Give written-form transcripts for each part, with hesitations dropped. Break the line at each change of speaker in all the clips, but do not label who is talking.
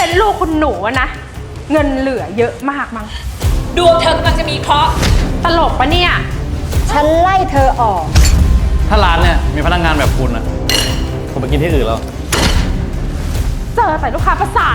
เป็นลูกคุณหนูอะนะเงินเหลือเยอะมากมั้ง
ดวงเธอกำลังจะมีเคราะห์
ตลกปะเนี่ย
ฉันไล่เธอออก
ถ้าร้านเนี่ยมีพนักงานแบบคุณอะผมไปกินที่อื่นแล้ว
เจอแต่ลูกค้าประสาท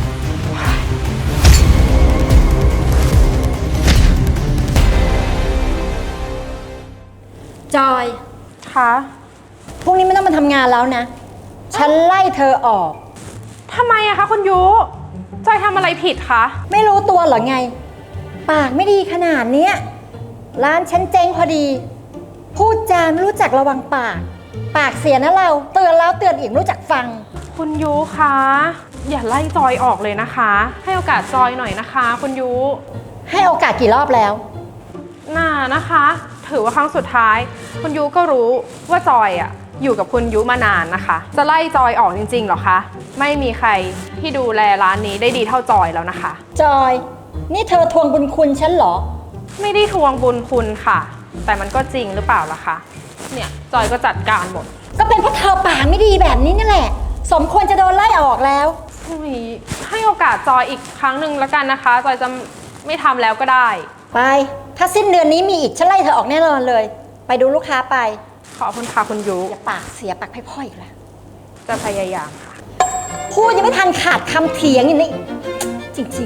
จอย
คะ
พรุ่งนี้ไม่ต้องมาทำงานแล้วนะ ฉันไล่เธอออก
ทำไมอะคะคุณยุจอยทำอะไรผิดคะ
ไม่รู้ตัวเหรอไง ปากไม่ดีขนาดเนี้ยร้านฉันเจ๊งพอดี พูดจาไม่รู้จักระวังปาก ปากเสียนะเราเตือนแล้วเตือนอีกรู้จักฟัง
คุณยุคะอย่าไล่จอยออกเลยนะคะ ให้โอกาสจอยหน่อยนะคะคุณยุ
ให้โอกาสกี่รอบแล้ว
น่านะคะถือว่าครั้งสุดท้ายคุณยุก็รู้ว่าจอยอะอยู่กับคุณยุมานานนะคะจะไล่จอยออกจริงๆหรอคะไม่มีใครที่ดูแลร้านนี้ได้ดีเท่าจอยแล้วนะคะ
จอยนี่เธอทวงบุญคุณฉันเหรอ
ไม่ได้ทวงบุญคุณค่ะแต่มันก็จริงหรือเปล่าล่ะคะเนี่ยจอยก็จัดการหมด
ก็เป็นเพราะเธอปากไม่ดีแบบนี้นี่แหละสมควรจะโดนไล่ออกแล้ว
ให้โอกาสจอยอีกครั้งหนึ่งแล้วกันนะคะจอยจะไม่ทำแล้วก็ได้
ไปถ้าสิ้นเดือนนี้มีอีกฉันไล่เธอออกแน่นอนเลยไปดูลูกค้าไป
ขอบคุณค่ะคุณยุ
อย่าปากเสียปากพ่อยๆอีกแล้ว
จะพยายามค่ะ
พูดยังไม่ทันขาดคำเถียงอย่างนี้จริง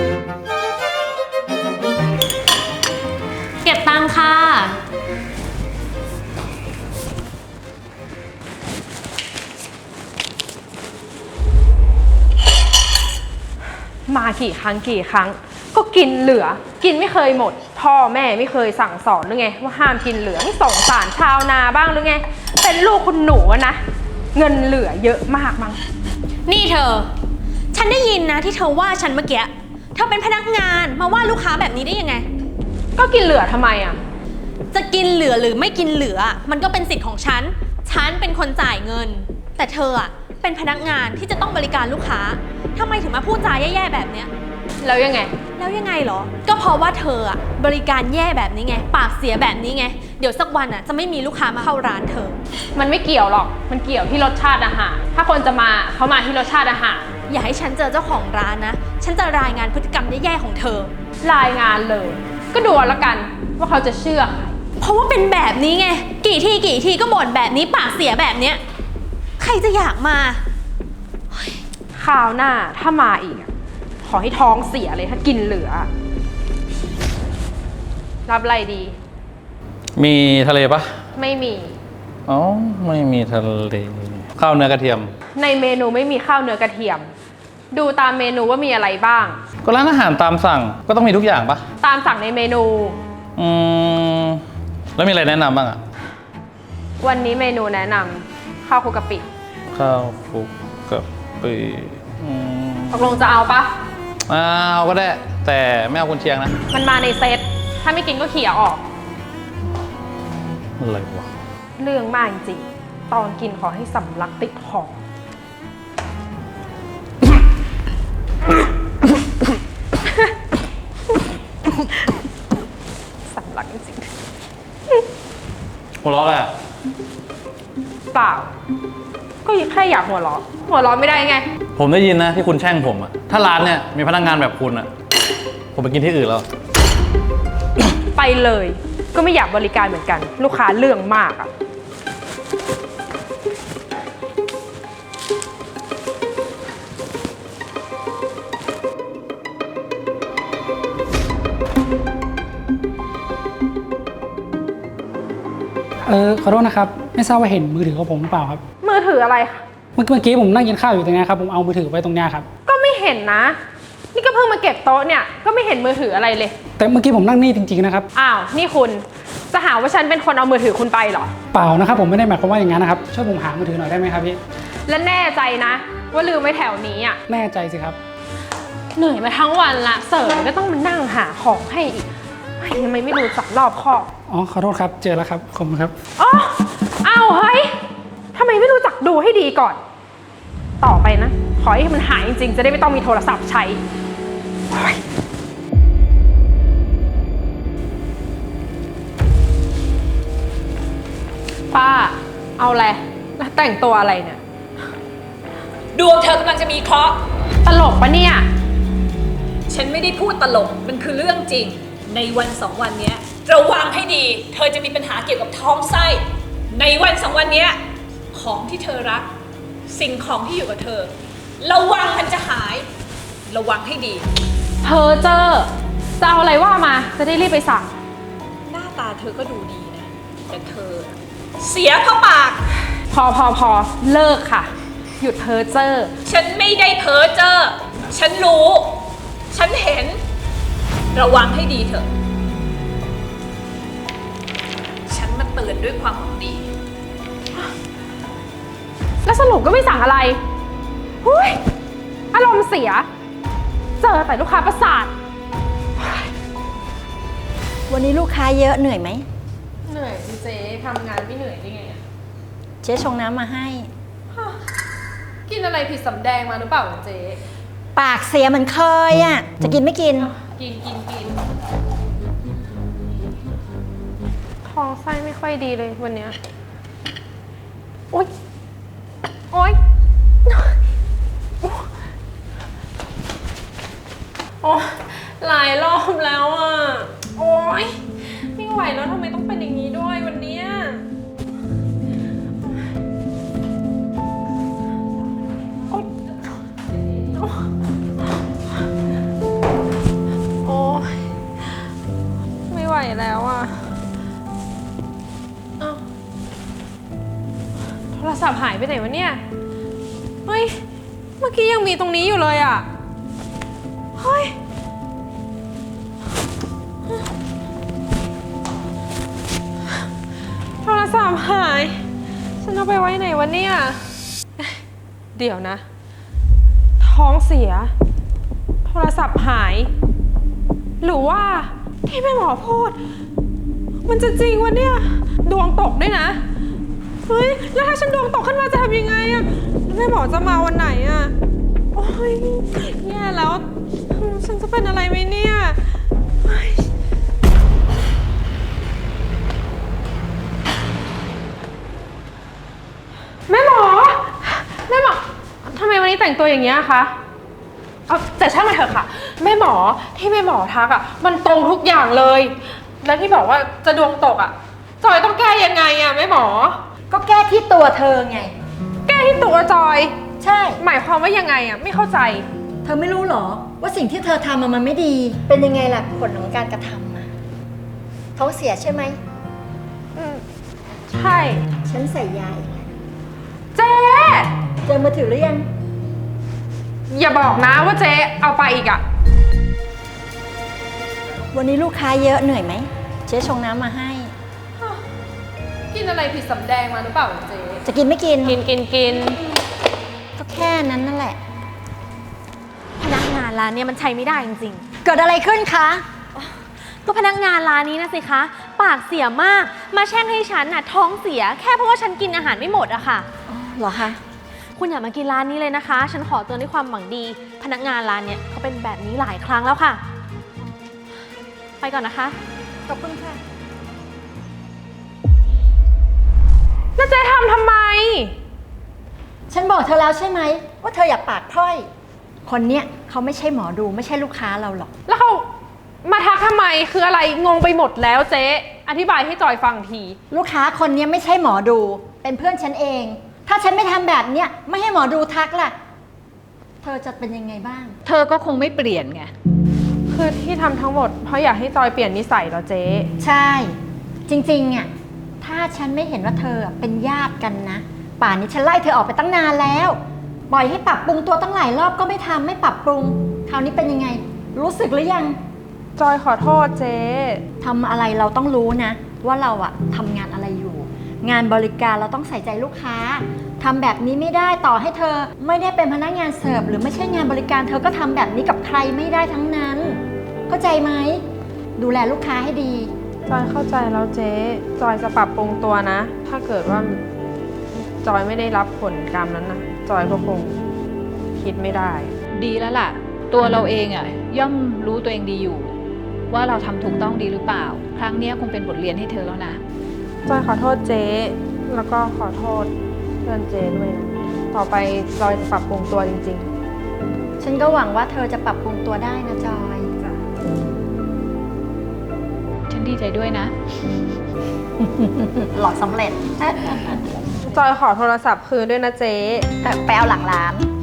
ๆเก็บตังค่ะ
มากี่ครั้งก็กินเหลือกินไม่เคยหมดพ่อแม่ไม่เคยสั่งสอนหรือไงว่าห้ามกินเหลือไม่สงสารชาวนาบ้างหรือไงเป็นลูกคุณหนูนะเงินเหลือเยอะมากมั้ง
นี่เธอฉันได้ยินนะที่เธอว่าฉันเมื่อกี้เธอเป็นพนักงานมาว่าลูกค้าแบบนี้ได้ยังไง
ก็กินเหลือทำไมอ่ะ
จะกินเหลือหรือไม่กินเหลือมันก็เป็นสิทธิ์ของฉันเป็นคนจ่ายเงินแต่เธออ่ะเป็นพนักงานที่จะต้องบริการลูกค้าทำไมถึงมาพูดจาแย่ๆแบบเนี้ย
แล้วยังไง
เหรอก็เพราะว่าเธออะบริการแย่แบบนี้ไงปากเสียแบบนี้ไงเดี๋ยวสักวันอะจะไม่มีลูกค้ามาเข้าร้านเธอ
มันไม่เกี่ยวหรอกมันเกี่ยวที่รสชาติอาหารถ้าคนจะมาเขามาที่รสชาติอาหาร
อย่าให้ฉันเจอเจ้าของร้านนะฉันจะรายงานพฤติกรรมแย่ๆของเธอ
รายงานเลยก็ดูแล้วกันว่าเขาจะเชื่อ
เพราะว่าเป็นแบบนี้ไงกี่ทีก็บ่นแบบนี้ปากเสียแบบเนี้ยใครจะอยากมา
คราวหน้าถ้ามาอีกขอให้ท้องเสียเลยถ้ากินเหลือรับอะไรดี
มีทะเลปะ
ไม่มี
อ๋อไม่มีทะเลข้าวเนื้อกระเทียม
ในเมนูไม่มีข้าวเนื้อกระเทียมดูตามเมนูว่ามีอะไรบ้าง
ก็ร้านอาหารตามสั่งก็ต้องมีทุกอย่างปะ
ตามสั่งในเมนู
แล้วมีอะไรแนะนำบ้างอะ
วันนี้เมนูแนะนำข้าวคลุกกะปิ
ข้าวคลุกกะปิ
ตกลงจะเอาปะ
เอาก็ได้แต่ไม่เอากุนเชียงนะ
มันมาในเซตถ้าไม่กินก็เขี่ยออก
อะไรวะ
เรื่องมากจริงตอนกินขอให้สำลักติดคอสำลักจริง
หัวเราะอะไร
เปล่าก็แค่อยากหัวเราะไม่ได้ไง
ผมได้ยินนะที่คุณแช่งผมอะถ้าร้านเนี่ยมีพนักงานแบบคุณอะผมไปกินที่อื่นแล้ว
ไปเลยก็ไม่อยากบริการเหมือนกันลูกค้าเรื่องมากอะ
ขอโทษนะครับไม่ทราบว่าเห็นมือถือของผมหรือเปล่าครับ
มือถืออะไรคะ
เมื่อกี้ผมนั่งกินข้าวอยู่ตรงนี้ครับผมเอามือถือไว้ตรงนี้ครับ
ก็ไม่เห็นนะนี่ก็เพิ่งมาเก็บโต๊ะเนี่ยก็ไม่เห็นมือถืออะไรเลย
แต่เมื่อกี้ผมนั่งนี่จริงๆนะครับ
อ้าวนี่คุณจะหาว่าฉันเป็นคนเอามือถือคุณไปเหรอ
เปล่านะครับผมไม่ได้หมายความว่าอย่างนั้นนะครับช่วยผมหามือถือหน่อยได้ไหมครับพี่
และแน่ใจนะว่าลืมไว้แถวนี้อ่ะ
แน่ใจสิครับ
เหนื่อยมาทั้งวันละเสิร์ฟก็ต้องมานั่งหาของให้อีกทำไมไม่รู้จักรอบคอบ
อ๋อขอโทษครับเจอแล้วครับขอบคุณครับ
อ๋อเอาเฮ้ยทำไมไม่รู้จักดูให้ดีก่อนต่อไปนะขอให้มันหายจริงๆจะได้ไม่ต้องมีโทรศัพท์ใช้ป้าเอาอะไรแล้วแต่งตัวอะไรเนี่ย
ดวงเธอกำลังจะมีเคราะห์
ตลกปะเนี่ย
ฉันไม่ได้พูดตลก มันคือเรื่องจริง ในวันสองวันเนี้ยระวังให้ดี เธอจะมีปัญหาเกี่ยวกับท้องไส้ ในวันสองวันเนี้ยของที่เธอรัก สิ่งของที่อยู่กับเธอ ระวังมันจะหาย ระวังให้ดี
เธอเจอจะเอาอะไรว่ามา จะได้รีบไปสั่ง
หน้าตาเธอก็ดูดีนะ แต่เธอ เสียเพราะปาก
พอเลิกค่ะ หยุดเพ้อเจ้อ
ฉันไม่ได้เพ้อเจ้อ ฉันรู้ ฉันเห็น ระวังให้ดีเถอะ ฉันมาเตือนด้วยความหวังดี
แล้วสรุปก็ไม่สั่งอะไรหุ้ยอารมณ์เสีย เจอแต่ลูกค้าประสาท
วันนี้ลูกค้าเยอะเหนื่อยไหม
เหนื่อยเจ๊ทำงานไม่เหนื่อยได้ไงอะ
เจ๊ชงน้ำมาให้
กินอะไรผิดสำแดงมาหรือเปล่าเจ๊
ปากเสียเหมือนเคยอ่ะ จะกินไม่กิน
กินท้องไส้ไม่ค่อยดีเลยวันเนี้ยโอ๊ยโอ๊ยโอ้หลายรอบแล้วอ่ะ โอ๊ยไม่ไหวแล้วทำไมต้องเป็นอย่างนี้ด้วยวันเนี้ยโอ๊ยโอ๊ยไม่ไหวแล้วอ่ะเอ้าโทรศัพท์หายไปไหนวะเนี่ย เฮ้ย เมื่อกี้ยังมีตรงนี้อยู่เลยอ่ะ เฮ้ย โทรศัพท์หาย ฉันเอาไปไว้ไหนวะเนี่ย เดี๋ยวนะ ท้องเสีย โทรศัพท์หาย หรือว่าที่แม่หมอพูด มันจะจริงวะเนี่ย ดวงตกด้วยนะ เฮ้ย แล้วถ้าฉันดวงตกขึ้นมาจะทำยังไงอะแม่หมอจะมาวันไหนอะโอ้ยแย่แล้ว ฉันจะเป็นอะไรไหมเนี่ยเฮ้ยแม่หมอทำไมวันนี้แต่งตัวอย่างเงี้ยคะเอาแต่ช่างมันเถอะค่ะ แม่หมอที่แม่หมอทักอะมันตรงทุกอย่างเลย แล้วที่บอกว่าจะดวงตกอะจอยต้องแก้ยังไงอะแม่หมอ
ก็แก้ที่ตัวเธอไง
แก้ที่ตัวจอย
ใช่
หมายความว่ายังไงอะไม่เข้าใจ
เธอไม่รู้หรอ ว่าสิ่งที่เธอทำมันไม่ดี เป็นยังไงล่ะผลของการกระทำอะท้องเสียใช่ไหม
ใช่
ฉันใส่ยาเองแหละ
เจ๊
เจอมือถือหรือยัง
อย่าบอกนะว่าเจ๊เอาไปอีกอะ
วันนี้ลูกค้าเยอะเหนื่อยไหม เจ๊ชงน้ำมาให้
กินอะไรผิดสำแดงมาหรือเปล่าเจ๊
จะกินไม่กิน
กิน
ก็แค่นั้นนั่นแหละ
พนักงานร้านเนี่ยมันใช้ไม่ได้จริง
เกิดอะไรขึ้นคะ
ๆ ก็พนักงานร้านนี้นะสิคะ ปากเสียมาก มาแช่งให้ฉันน่ะท้องเสีย แค่เพราะว่าฉันกินอาหารไม่หมดอะค่ะ
เหรอคะ
คุณอย่ามากินร้านนี้เลยนะคะ ฉันขอเตือนด้วยความหวังดี พนักงานร้านเนี่ยเขาเป็นแบบนี้หลายครั้งแล้วค่ะ ไปก่อนนะคะ
ขอบคุณค่ะ
แล้วเจ๊ทำไม
ฉันบอกเธอแล้วใช่ไหม ว่าเธออย่าปากพร่อย คนเนี้ยเขาไม่ใช่หมอดูไม่ใช่ลูกค้าเราหรอก
แล้วเขามาทักทำไมคืออะไรงงไปหมดแล้วเจ๊อธิบายให้จอยฟังที
ลูกค้าคนเนี้ยไม่ใช่หมอดู เป็นเพื่อนฉันเอง ถ้าฉันไม่ทำแบบเนี้ยไม่ให้หมอดูทักล่ะ เธอจะเป็นยังไงบ้าง
เธอก็คงไม่เปลี่ยนไง
คือที่ทำทั้งหมดเพราะอยากให้จอยเปลี่ยนนิสัยเหรอเจ๊
ใช่ จริงๆอ่ะถ้าฉันไม่เห็นว่าเธอเป็นญาติกันนะ ป่านนี้ฉันไล่เธอออกไปตั้งนานแล้ว ปล่อยให้ปรับปรุงตัวตั้งหลายรอบก็ไม่ทำไม่ปรับปรุง คราวนี้เป็นยังไง รู้สึกหรือยัง
จอยขอโทษเจ๊
ทำอะไรเราต้องรู้นะ ว่าเราอะทำงานอะไรอยู่ งานบริการเราต้องใส่ใจลูกค้าทำแบบนี้ไม่ได้ต่อให้เธอไม่ได้เป็นพนักงานเสิร์ฟหรือไม่ใช่งานบริการเธอก็ทำแบบนี้กับใครไม่ได้ทั้งนั้น เข้าใจไหมดูแลลูกค้าให้ดี
จอยเข้าใจแล้วเจ๊จอยจะปรับปรุงตัวนะ ถ้าเกิดว่าจอยไม่ได้รับผลกรรมนั้นนะจอยก็คงคิดไม่ได้
ดีแล้วล่ะ ตัวเราเองอ่ะย่อมรู้ตัวเองดีอยู่ ว่าเราทำถูกต้องดีหรือเปล่า ครั้งเนี้ยคงเป็นบทเรียนให้เธอแล้วนะ
จอยขอโทษเจ๊แล้วก็ขอโทษเพื่อนเจ๊ด้วยนะต่อไปจอยจะปรับปรุงตัวจริง
ฉันก็หวังว่าเธอจะปรับปรุงตัวได้นะจอย
ฉันดีใจด้วยนะ
หลอกสำเร็จ
จอยขอโทรศัพท์คืนด้วยนะเจ๊
ไปเอาหลังร้าน